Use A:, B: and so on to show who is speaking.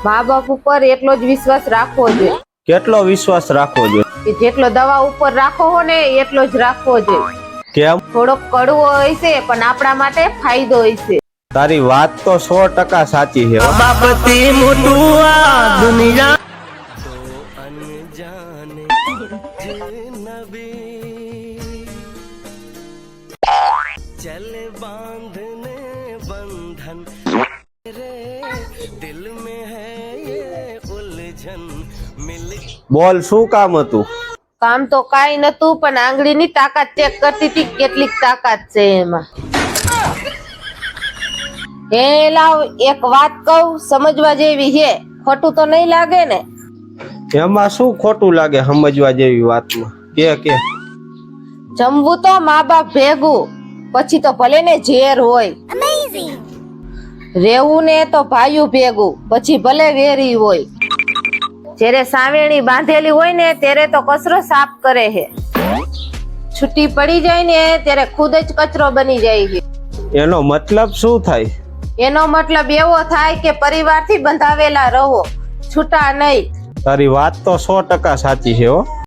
A: મા બાપ ઉપર એટલો જ વિશ્વાસ રાખવો જોઈએ
B: કેટલો વિશ્વાસ રાખવો જોઈએ?
A: કે જેટલો દવા ઉપર રાખો હો ને એટલો જ રાખવો જોઈએ.
B: કેમ?
A: થોડોક કડવો હોય છે પણ આપણા માટે ફાયદો હોય છે.
B: તારી વાત તો 100% સાચી છે.
C: બાપતી મોટું આ દુનિયા चल बांधने बंधन रे दिल में है ये उलझन मिल
B: બોલ, શું કામ હતું?
A: કામ તો કાઈ નતું પણ આંગળીની તાકાત ચેક કરતી હતી કેટલીક તાકાત છે એમાં. હે લાવ એક વાત કહું, સમજવા જેવી છે, ખોટું તો નહીં લાગે ને?
B: એમાં શું ખોટું લાગે સમજવા જેવી વાતમાં? કે
A: જમવું તો મા બાપ ભેગું, પછી તો ભલે ને ઝેર હોય. રેવું ને તો ભાઈયું ભેગું, પછી ભલે વેરી હોય. જ્યારે સાવેણી બાંધેલી હોય ને ત્યારે તો કચરો સાફ કરે છે, છૂટી પડી જાય ને ત્યારે ખુદ જ કચરો બની જાય છે.
B: એનો મતલબ શું થાય?
A: એનો મતલબ એવો થાય કે પરિવારથી બંધાવેલા રહો, છૂટા નહીં.
B: તારી વાત તો 100% સાચી છે હો.